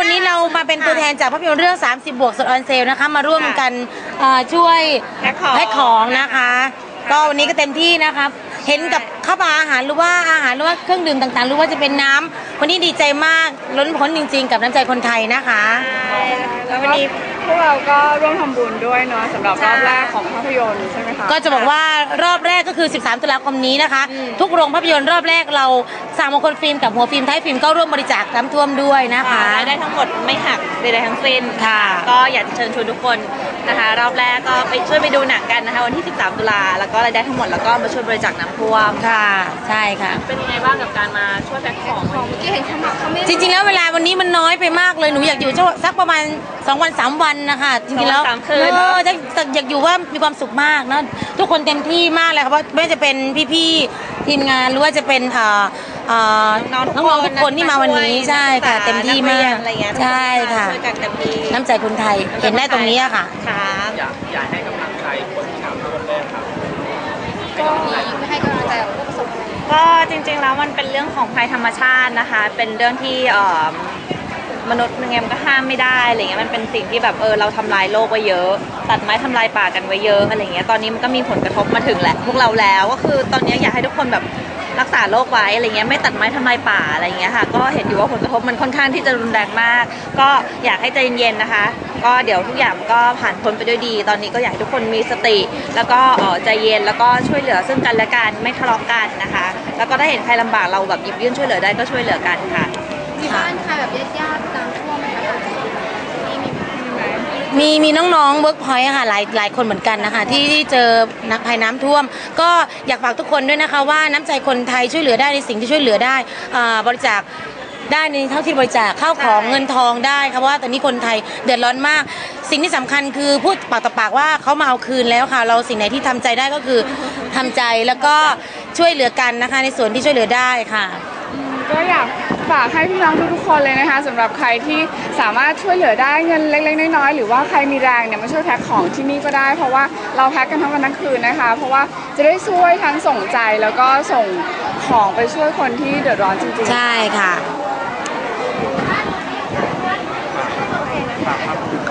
วันนี้เรามาเป็นตัวแทนจากภาพยนตร์เรื่อง30 บวกสดออนเซลนะคะมาร่วมกันช่วยแพ็คของนะคะก็วันนี้ก็เต็มที่นะครับเห็นกับข้าวปลาอาหารหรือว่าเครื่องดื่มต่างๆหรือว่าจะเป็นน้ำวันนี้ดีใจมากล้นพ้นจริงๆกับน้ำใจคนไทยนะคะแล้ววันนี้พวกเราก็ร่วมทำบุญด้วยเนาะสำหรับรอบแรกของภาพยนตร์ใช่ไหมคะก็จะบอกว่ารอบแรกก็คือ13 ตุลาคมนี้นะคะทุกโรงภาพยนตร์รอบแรกเรา3 มงคลฟิล์มกับหัวฟิล์มท้ายฟิล์มก็ร่วมบริจาคน้ำท่วมด้วยนะคะได้ทั้งหมดไม่หักใดๆทั้งสิ้นค่ะก็อยากจะเชิญชวนทุกคนนะคะรอบแรกก็ไปช่วยไปดูหนังกันนะคะวันที่13 ตุลาแล้วก็รายได้ทั้งหมดแล้วก็มาช่วยบริจาคน้ำท่วมค่ะใช่ค่ะเป็นยังไงบ้างกับการมาช่วยแพ็คของเมื่อกี้เห็นเขาไม่จริงๆแล้วเวลาวันนี้มันน้อยไปมากเลยหนูอยากอยู่สักประมาณ2 วัน 3 วันนะคะจริงๆแล้วอยากอยู่ว่ามีความสุขมากนะทุกคนเต็มที่มากเลยค่ะเพราะไม่ว่าจะเป็นพี่ๆทีมงานหรือว่าจะเป็นน้องๆทุกคนที่มาวันนี้ใช่ค่ะเต็มที่มากใช่ค่ะน้ำใจคนไทยเห็นได้ตรงนี้ค่ะอยากให้กำลังใจคนที่ทำร่วมแรกครับก็ให้กำลังใจผู้ประสบภัยก็จริงๆแล้วมันเป็นเรื่องของภัยธรรมชาตินะคะเป็นเรื่องที่มนุษย์ยังไงมันก็ห้ามไม่ได้อะไรเงี้ยมันเป็นสิ่งที่แบบเราทำลายโลกไว้เยอะตัดไม้ทำลายป่ากันไว้เยอะอะไรเงี้ยตอนนี้มันก็มีผลกระทบมาถึงแหละพวกเราแล้วก็คือตอนนี้อยากให้ทุกคนแบบรักษาโลกไว้อะไรเงี้ยไม่ตัดไม้ทำลายป่าอะไรเงี้ยค่ะก็เห็นอยู่ว่าผลกระทบมันค่อนข้างที่จะรุนแรงมากก็อยากให้ใจเย็นๆนะคะก็เดี๋ยวทุกอย่างก็ผ่านพ้นไปด้วยดีตอนนี้ก็อยากให้ทุกคนมีสติแล้วก็ใจเย็นแล้วก็ช่วยเหลือซึ่งกันและกันไม่ทะเลาะกันนะคะแล้วก็ถ้าเห็นใครลำบากเราแบบหยิบยื่นช่วยเหลือได้ก็ช่วยเหลือกันค่ะมีบ้านใครแบบญาติๆน้ำท่วมไหมคะมีน้องๆเวิร์กพอยต์ค่ะหลายคนเหมือนกันนะคะที่เจอภัยน้ำท่วมก็อยากฝากทุกคนด้วยนะคะว่าน้ำใจคนไทยช่วยเหลือได้ในสิ่งที่ช่วยเหลือได้บริจาคได้ในเท่าที่บริจาคข้าวของเงินทองได้ค่ะเพราะว่าตอนนี้คนไทยเดือดร้อนมากสิ่งที่สำคัญคือพูดปากต่อปากว่าเขามาเอาคืนแล้วค่ะเราสิ่งไหนที่ทำใจได้ก็คือทำใจแล้วก็ช่วยเหลือกันนะคะในส่วนที่ช่วยเหลือได้ค่ะก็อยากฝากให้พี่น้องทุกคนเลยนะคะสำหรับใครที่สามารถช่วยเหลือได้เงินเล็กๆน้อยๆหรือว่าใครมีแรงเนี่ยมาช่วยแพ็คของที่นี่ก็ได้เพราะว่าเราแพ็คกันทั้งวันทั้งคืนนะคะเพราะว่าจะได้ช่วยทั้งส่งใจแล้วก็ส่งของไปช่วยคนที่เดือดร้อนจริงๆใช่ค่ะ